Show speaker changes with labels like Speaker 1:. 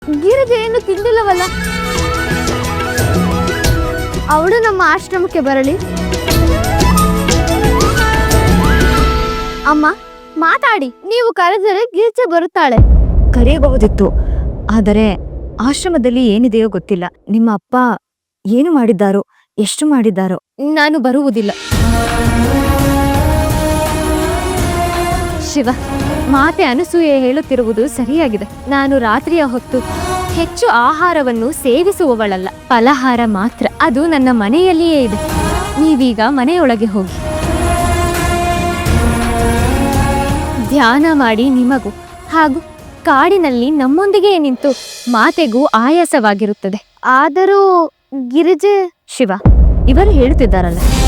Speaker 1: ಗಿರಿಜೆ ಏನು ತಿಂದಿಲ್ಲವಲ್ಲ? ಅವಳು ನಮ್ಮ ಆಶ್ರಮಕ್ಕೆ ಬರಲಿ. ಅಮ್ಮ ಮಾತಾಡಿ, ನೀವು ಕರೆದರೆ ಗಿರಿಜೆ ಬರುತ್ತಾಳೆ.
Speaker 2: ಕರೆಯಬಹುದಿತ್ತು, ಆದರೆ ಆಶ್ರಮದಲ್ಲಿ ಏನಿದೆಯೋ ಗೊತ್ತಿಲ್ಲ. ನಿಮ್ಮ ಅಪ್ಪ ಏನು ಮಾಡಿದ್ದಾರೋ, ಎಷ್ಟು ಮಾಡಿದ್ದಾರೋ.
Speaker 1: ನಾನು ಬರುವುದಿಲ್ಲ. ಶಿವ, ಮಾತೆ ಅನಸೂಯೆ ಹೇಳುತ್ತಿರುವುದು ಸರಿಯಾಗಿದೆ. ನಾನು ರಾತ್ರಿಯ ಹೊತ್ತು ಹೆಚ್ಚು ಆಹಾರವನ್ನು ಸೇವಿಸುವವಳಲ್ಲ, ಫಲಹಾರ ಮಾತ್ರ. ಅದು ನನ್ನ ಮನೆಯಲ್ಲಿಯೇ ಇದೆ. ನೀವೀಗ ಮನೆಯೊಳಗೆ ಹೋಗಿ ಧ್ಯಾನ ಮಾಡಿ ನಿಮಗೂ ಹಾಗೂ ಕಾಡಿನಲ್ಲಿ ನಮ್ಮೊಂದಿಗೆ ನಿಂತು ಮಾತೆಗೂ ಆಯಾಸವಾಗಿರುತ್ತದೆ. ಆದರೂ ಗಿರಿಜೆ...
Speaker 2: ಶಿವ, ಇವರು ಹೇಳುತ್ತಿದ್ದಾರಲ್ಲ,